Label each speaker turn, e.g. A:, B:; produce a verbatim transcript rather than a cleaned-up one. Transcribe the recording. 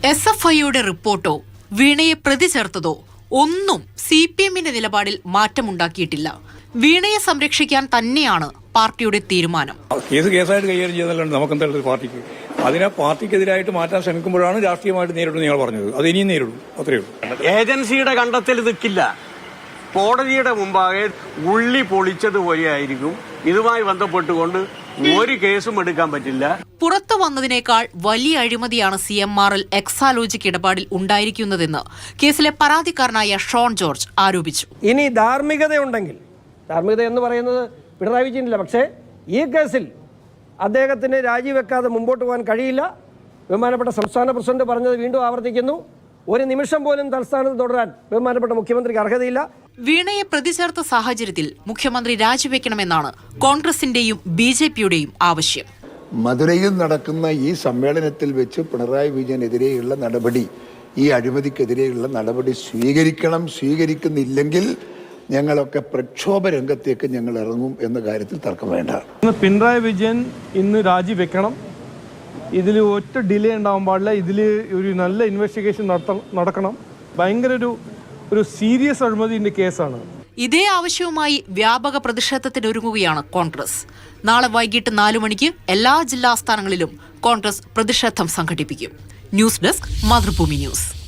A: S F ഐയുടെ റിപ്പോർട്ടോ വീണയെ പ്രതി ചേർത്തതോ ഒന്നും സി പി എമ്മിന്റെ നിലപാടിൽ മാറ്റമുണ്ടാക്കിയിട്ടില്ല. വീണയെ സംരക്ഷിക്കാൻ തന്നെയാണ് പാർട്ടിയുടെ തീരുമാനം.
B: കേസ് കേസായിട്ട് കൈകാര്യം ചെയ്തല്ലാണ്ട് നമുക്കെന്തായാലും പാർട്ടിക്ക് അതിനെ പാർട്ടിക്കെതിരായിട്ട് മാറ്റാൻ ശ്രമിക്കുമ്പോഴാണ് രാഷ്ട്രീയമായിട്ട് നേരിടും നിങ്ങൾ പറഞ്ഞത്. അത് ഇനിയും നേരിടും, അത്രയേ ഉള്ളൂ.
C: ഏജൻസിയുടെ കണ്ടെത്തൽ നിൽക്കില്ല. കോടതിയുടെ മുമ്പാകെ ഉള്ളി പൊളിച്ചതുപോലെയായിരിക്കും. ഇതുമായി ബന്ധപ്പെട്ടുകൊണ്ട് ഒരു കേസും എടുക്കാൻ പറ്റില്ല.
A: പുറത്തു വന്നതിനേക്കാൾ വലിയ അഴിമതിയാണ് സി എം ആർ എൽ എക്സാലോജിക് ഇടപാടിൽ ഉണ്ടായിരിക്കുന്നതെന്ന് കേസിലെ പരാതിക്കാരനായ ഷോൺ ജോർജ് ആരോപിച്ചു.
D: ഇനി ധാർമ്മികതയുണ്ടെങ്കിൽ, ധാർമ്മികത എന്ന് പറയുന്നത് പിണറായി വിജയനില്ല, പക്ഷേ ഈ കേസിൽ അദ്ദേഹത്തിന് രാജിവെക്കാതെ മുമ്പോട്ട് പോകാൻ കഴിയില്ല. ബഹുമാനപ്പെട്ട സംസ്ഥാന പ്രസിഡന്റ് പറഞ്ഞത് വീണ്ടും ആവർത്തിക്കുന്നു. ഒരു നിമിഷം പോലും തൽസ്ഥാനത്ത് തുടരാൻ ബഹുമാനപ്പെട്ട മുഖ്യമന്ത്രിക്ക് അർഹതയില്ല.
A: വീണയെ പ്രതി ചേർത്ത സാഹചര്യത്തിൽ മുഖ്യമന്ത്രി രാജിവെക്കണമെന്നാണ് കോൺഗ്രസിന്റെയും ബി ജെ പിയുടെയും ആവശ്യം.
E: മധുരയിൽ നടക്കുന്ന ഈ സമ്മേളനത്തിൽ വെച്ച് പിണറായി വിജയനെതിരെയുള്ള നടപടി, ഈ അഴിമതിക്കെതിരെയുള്ള നടപടി സ്വീകരിക്കണം. സ്വീകരിക്കുന്നില്ലെങ്കിൽ ഞങ്ങളൊക്കെ പ്രക്ഷോഭ രംഗത്തേക്ക് ഞങ്ങൾ ഇറങ്ങും എന്ന കാര്യത്തിൽ തർക്കം വേണ്ട.
F: പിണറായി വിജയൻ ഇന്ന് രാജിവെക്കണം. ഇതിൽ ഒറ്റ ഡിലേ ഉണ്ടാവാൻ പാടില്ല. ഇതിൽ ഒരു നല്ല ഇൻവെസ്റ്റിഗേഷൻ നടക്കണം. ഭയങ്കര ഒരു ഒരു സീരിയസ് അഴിമതിന്റെ കേസാണ്.
A: ഇതേ ആവശ്യവുമായി വ്യാപക പ്രതിഷേധത്തിനൊരുങ്ങുകയാണ് കോൺഗ്രസ്. നാളെ വൈകിട്ട് നാലു മണിക്ക് എല്ലാ ജില്ലാ ആസ്ഥാനങ്ങളിലും കോൺഗ്രസ് പ്രതിഷേധം സംഘടിപ്പിക്കും. News desk, Mathrubhumi news.